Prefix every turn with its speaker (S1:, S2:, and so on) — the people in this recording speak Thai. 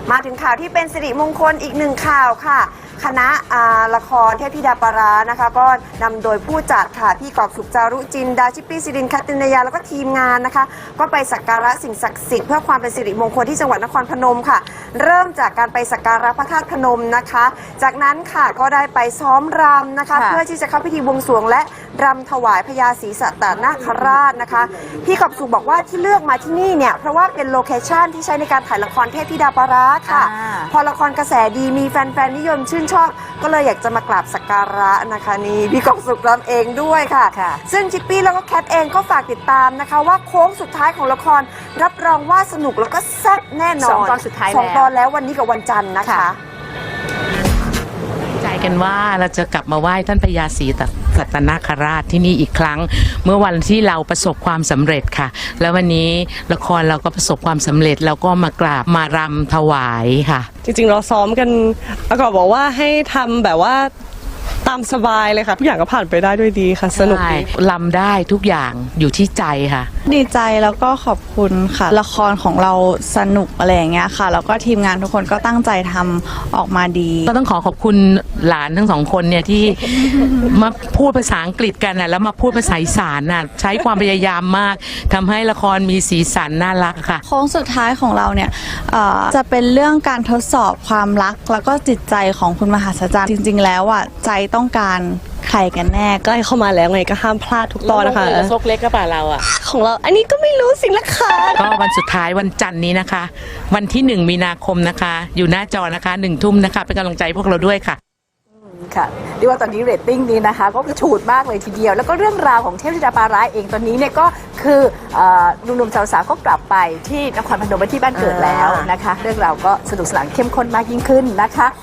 S1: มาถึงข่าวที่เป็นสิริมงคลอีกหนึ่งข่าวค่ะคณะละครเทพธิดาปารานะคะก็นำโดยผู้จัดค่ะพี่กอบสุขจารุจินดาชิปปี้สิรินคัตตินยาแล้วก็ทีมงานนะคะก็ไปสักการะสิ่งศักดิ์สิทธิ์เพื่อความเป็นสิริมงคลที่จังหวัดนครพนมค่ะเริ่มจากการไปสักการะพระธาตุพนมนะคะจากนั้นค่ะก็ได้ไปซ้อมรำนะคะเพื่อที่จะเข้าพิธีบวงสรวงและรำถวายพญาศรีสัตนาคราชนะคะพี่กอบสุขบอกว่าที่เลือกมาที่นี่เนี่ยเพราะว่าเป็นโลเคชั่นที่ใช้ในการถ่ายละครเทพธิดาปาราค่ะพอละครกระแสดีมีแฟนๆนิยมชื่นชอบก็เลยอยากจะมากราบสักการะนะคะนี่พี่กอบสุขรำเองด้วยค่ะซึ่งชิปปี้แล้วก็แคทเองก็ฝากติดตามนะคะว่าโค้งสุดท้ายของละครรับรองว่าสนุกแล้วก็แซ่บแน่นอน
S2: 2 ตอนสุดท้ายแล้ว
S1: 2 ตอนแล้ววันนี้กับวันจันทร์นะคะ
S3: ใจกันว่าเราจะกลับมาไหว้ท่านพญาศรีสัตนาคราชที่นี่อีกครั้งเมื่อวันที่เราประสบความสำเร็จค่ะแล้ววันนี้ละครเราก็ประสบความสำเร็จเราก็มากราบมารำถวายค่ะ
S4: จริงๆเราซ้อมกันแล้วก็บอกว่าให้ทำแบบว่าตามสบายเลยค่ะทุกอย่างก็ผ่านไปได้ด้วยดีค่ะสนุกดี
S3: ลำได้ทุกอย่างอยู่ที่ใจค่ะ
S5: ดีใจแล้วก็ขอบคุณค่ะละครของเราสนุกอะไรอย่างเงี้ยค่ะแล้วก็ทีมงานทุกคนก็ตั้งใจทำออกมาดี
S3: ก็ต้องขอบคุณหลานทั้ง2 คนเนี่ยที่มาพูดภาษาอังกฤษกันนะแล้วมาพูดภาษาอีสานน่ะใช้ความพยายามมากทำให้ละครมีสีสันน่ารักค่ะ
S5: โค้งสุดท้ายของเราเนี่ยจะเป็นเรื่องการทดสอบความรักแล้วก็จิตใจของคุณมหาศาลจริงๆแล้วอ่ะใจต้องการใครกันแน่
S4: ใกล้เข้ามาแล้วไงก็ห้ามพลาดทุกตอนนะคะ
S3: ซกเล็กก็ป่าเราอ่ะ
S4: ของเราอันนี้ก็ไม่รู้สินะคะ
S3: ก็วันสุดท้ายวันจันทร์นี้นะคะวันที่1 มีนาคมนะคะอยู่หน้าจอนะคะ1 ทุ่มนะคะเป็นกำลังใจพวกเราด้วยค่ะ
S2: ค่ะเรียกว่าตอนนี้เรตติ้งนี้นะคะก็กระฉูดมากเลยทีเดียวแล้วก็เรื่องราวของเทพธิดาปาราเองตอนนี้เนี่ยก็คือหนุ่มๆสาวๆก็กลับไปที่นครพนมไปที่บ้านเกิดแล้วนะคะเรื่องราวก็สนุกสนานเข้มข้นมากยิ่งขึ้นนะคะ